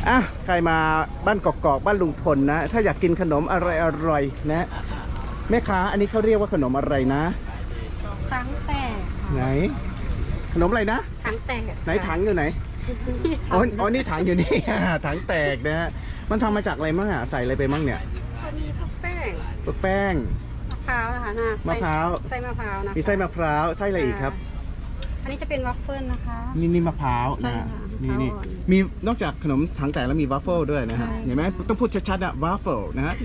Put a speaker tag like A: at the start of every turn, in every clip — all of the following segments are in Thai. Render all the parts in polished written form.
A: อ่ะใครมาบ้านกอกๆบ้านลุงพลนะถ้าอยากกินขนมอะไรอร่อยนะแม่ค้าอันนี้เขาเรียกว่าขนมอะไรนะ
B: ถังแตก
A: ไหนขนมอะไรนะ
B: ถังแตก
A: ไหนถังอยู่ไหนอ๋อนี่ถังอยู่นี่ ถังแตกนะฮะมันทำมาจากอะไรมั่งอ่ะใส่อะไรไปมั่งเนี่ย
B: มีพวกแป้ง
A: พวกแป้ง
B: มะพร้าวนะคะนะ
A: มะพร้าว
B: ไส้มะพร้าวนะ
A: มีไส้มะพร้าวไส้อะไรอีกครับ
B: อันนี้จะเป็นวัฟเฟิลนะคะ
A: นี่มะพร้าวนะนี่มีนอกจากขนมถังแตกแล้วมีวัฟเฟิลด้วยนะฮะเห็นไหมต้องพูดชัดๆนะวัฟเฟิลนะฮะ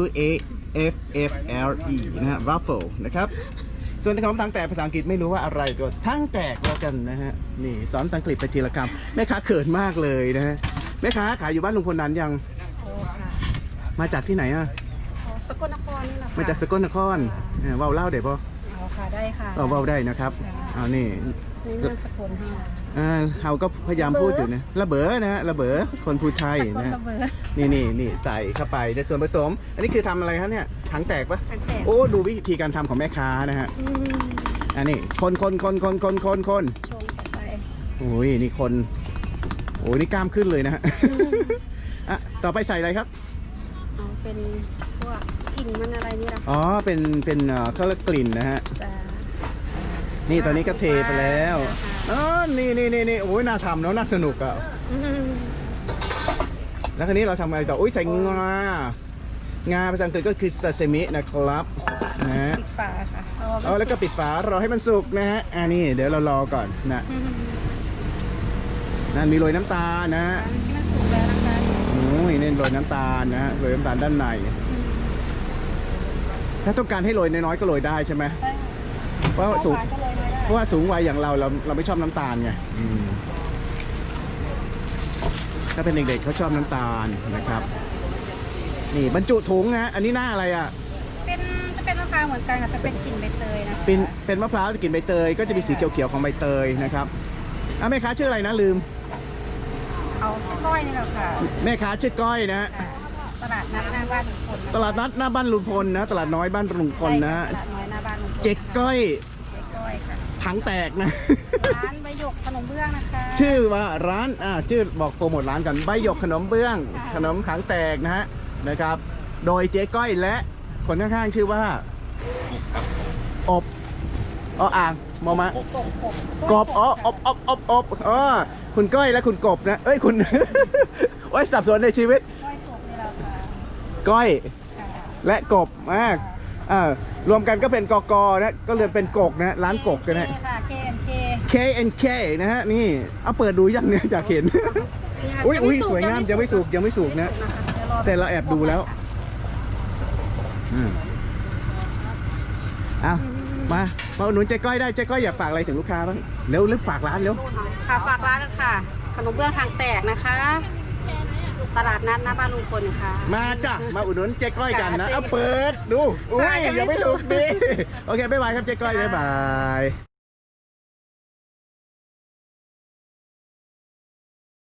A: WAFFLE นะฮะวัฟเฟิลนะครับส่วนขนมถังแตกภาษาอังกฤษไม่รู้ว่าอะไรตัวถังแตกแล้วกันนะฮะนี่สอนภาษาอังกฤษไปทีละคำแม่ค้าเขินมากเลยนะฮะแม่ค้าขายอยู่บ้านลุงพลนั้นยังมาจากที่ไหนอ่ะ
B: สกลนครนี่แหละ
A: มาจากสกลนครว่าวเล่าเดี๋ยวป่ะ
B: ค่ะได้ค่ะ
A: ว่าวได้นะครับเอานี่
B: เรื่องสกลค่ะ
A: เราก็พยายามพูดอยู่นะระเบ้อนะฮะระเบ้อคนภูไทยนะนี่ใส่เข้าไปในส่วนผสมอันนี้คือทำอะไรครับเนี่ยถังแตกปะโอ้ดูวิธีการทำของแม่ค้านะฮะอันนี้คนชงไปโอ้ยนี่คนโอ้ยนี่กล้ามขึ้นเลยนะฮะต่อไปใส่อะไรครับ
B: เป็นพวกกลิ่นมันอะไรนี่แหละ
A: อ๋อเป็นเขาเรียกกลิ่นนะฮะนี่ตอนนี้ก็เทไปแล้วอ๋อนี่โอ้ยน่าทำเนาะน่าสนุกอ่ะแล้วคราวนี้เราทำอะไรต่ออุ้ยใส่งาภาษาอังกฤษก็คือซาซิมินะครับนะฮะ
B: ปิดฝาค่ะ
A: แล้วก็ปิดฝารอให้มันสุกนะฮะนี่เดี๋ยวเรารอก่อนนะนั่นมีโรยน้ำตาลนะฮะ
B: ที่มันสุกแล้วนะคะ
A: โอ้ยนี่โรยน้ำตาลนะฮะโรยน้ำตาลด้านในถ้าต้องการให้โรยน้อยๆก็โรยได้ใช่ไหมเพราะว่าสูงวัยอย่างเราไม่ชอบน้ำตาลไงถ้าเป็นเด็กๆเขาชอบน้ำตาลนะครับนี่บรรจุถุงนะอันนี้หน้าอะไรอ่ะ
B: จะเป็นมะพร้าวเหมือนกันค่ะจะเป็นกลิ่นใบเตยนะ
A: เป็นมะพร้าวจะกลิ่นใบเตยก็จะมีสีเขียวๆของใบเตยนะครับแม่ค้าชื่ออะไรนะลืม
B: เอาชื่อก้อยนี่แหละค่ะ
A: แม่ค้าชื่อก้อยนะ
B: ตลาดนัดหน้าบ้านลุงพล
A: ตลาดนัดหน้าบ้านลุงพลนะตลาดน้อยบ้านลุงพลนะ
B: ตลาดน้อยหน้าบ้านลุงพล
A: เจ๊ก้อย
B: ค่ะ
A: ถังแตกนะ
B: ร้านใบหยกขนมเบื้องนะคะ
A: ชื่อว่าร้านชื่อบอกโปรโมทร้านกันใบหยกขนมเบื้องขนมถังแตกนะครับโดยเจ๊ก้อยและคนข้างๆชื่อว่าอบอ่างมอมะกบอบคุณก้อยและคุณกบนะเอ้ยคุณไว้สับสนในชีวิตก้อยและกบรวมกันก็เป็นกนะก็เลยเป็นกกนะร้านกกกันนะ K&K นะฮะนี่เอาเปิดดูยังเนี่ยอยากเห็นอุ้ยสวยงามยังไม่สุกนะแต่เราแอบดูแล้วมาอุดหนุนเจ๊ก้อยได้เจ๊ก้อยอยากฝากอะไรถึงลูกค้าบ้างเร็วฝากร้านเร็ว
B: ค่ะฝากร้านค่ะขนมเบื้องทางแตกนะคะตลาดนัดหน้าบ้านลุงพลค่ะ
A: มาจ้ะมาอุดหนุนเจ๊ก้อยกันนะเอาเปิดดูอุ้ยยังไม่สุกดีโอเคบ๊ายบายครับเจ๊ก้อยบ๊ายบาย